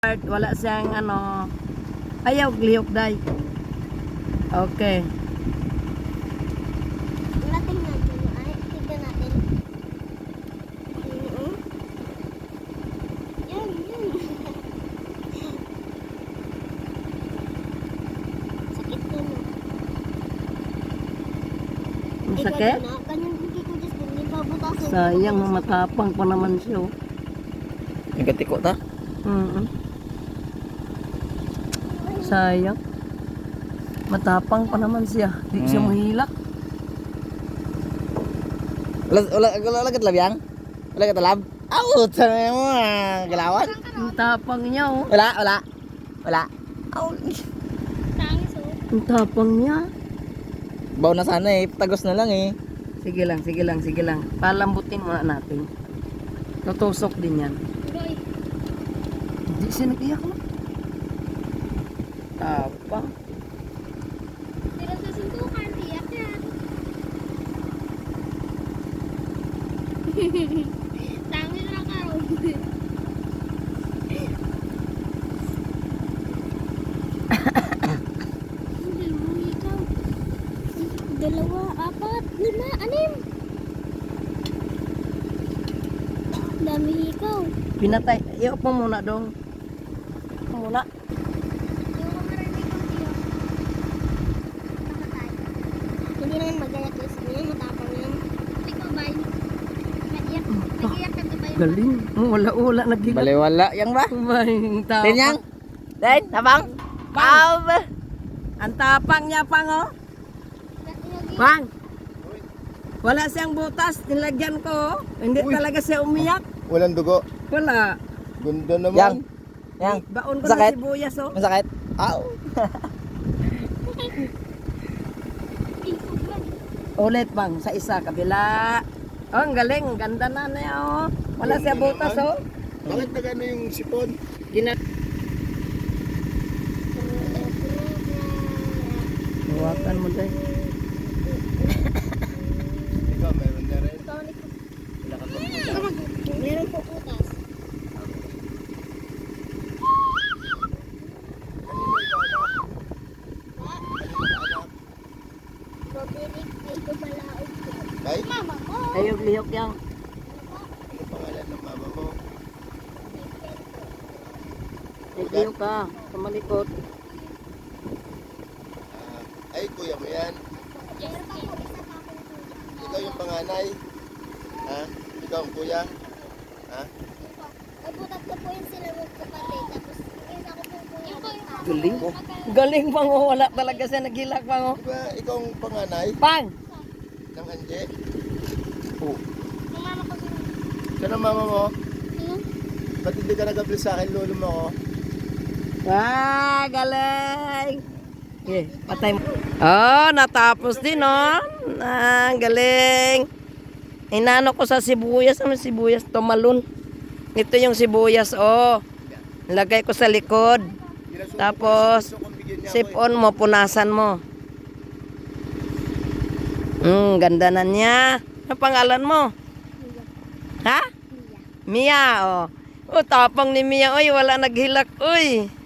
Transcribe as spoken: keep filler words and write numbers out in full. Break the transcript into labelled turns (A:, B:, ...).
A: Wala siyang ano, ayaw lihok day. Okay.
B: Natin natin. Ay, tignan natin. Mm-hmm. Yan, yan. Sakit na no.
A: Masakit?
B: Eh, ganyan din kiko just hindi pa butasan.
A: Sayang, matapang pa naman siya. oh.
C: Yung katiko ta?
A: Mm-mm. Sayang. Matapang pa naman siya. Di siya
C: Mm.
A: mahilak.
C: Wala, wala, wala, wala katalab Wala katalab? Out! Sana mo ah. Galawan?
A: Ang tapang niya oh.
C: Wala, wala. Wala. Out.
B: Tangis oh.
A: Ang tapang niya.
C: Baw na sana eh. Tagos na lang eh.
A: Sige lang, sige lang, sige lang. Palambutin muna natin. Tutusok din yan.
B: Roy.
A: Hindi siya nag-iyak no? Tapang.
B: Pero sa suntukan, tiyak yan. Tangis na ka ro. Dalawa, apat, lima, anim. Dami ikaw.
A: Pinatay. Iyo po muna dong. Muna.
B: Hindi naman magayak yung sabi niya, matapang yan. Ikaw ba? Naiyak. Naiyak ka ba yun?
A: Galing. Oh, wala-wala nag-iyak.
C: Baliwala. Yang ba?
A: Ang tapang.
C: Din yang? Din? Nabang?
A: Bang!
C: Aw!
A: Ang tapang niya pang oh. Pang! Wala siyang butas, nilagyan ko. oh. Hindi
D: Uy.
A: talaga siya umiyak.
D: Walang dugo.
A: Wala.
D: Ganda
C: Yang?
D: naman.
C: Yang?
A: Baon ko
C: Sakit?
A: na sibuyas oh.
C: Masakit? Aw!
A: Ulit bang, sa isa, kabila. Oh, ang galing, ang ganda na niya oh. Wala siya butas oh.
D: Bakit na gano'n yung sipon?
A: Gina Huwakan mo dahil.
D: Ikaw, meron na rin.
B: Meron po putas. Babirik ay kumalaog ko.
D: Tay,
B: Mama ko.
A: Ayog lihok yang.
D: ano pangalan ng mama mo?
A: Lihok ka, sa malikot.
D: Ah, ay, kuya mo yan. Ikaw yung panganay. Ha? Ikaw ang kuya. Ha?
B: Ay, butat ko po yung sila mo kapatid. Tapos, yun ako po po yung
A: Galing. Galing pang oh, wala talaga siya naghilak pang oh.
D: Di ba ikaw ang panganay
A: Pang!
D: ng Anje?
B: Yung mama ko sila.
D: Saan ang mama mo?
B: Hmm?
D: Ba't hindi ka nag-apply sa akin, lolo mo ko?
A: Ah, galing! Okay, patay mo. Oh, natapos din oh. Ah, galing. Inano ko sa sibuyas, ano sibuyas, tumalon. Ito yung sibuyas oh. Lagay ko sa likod. Tapos, sip on mo, punasan mo. Hmm, ganda na niya. Ano pangalan mo? Ha? Mia, oh. Oh, tapang ni Mia, oy, wala naghilak, oy.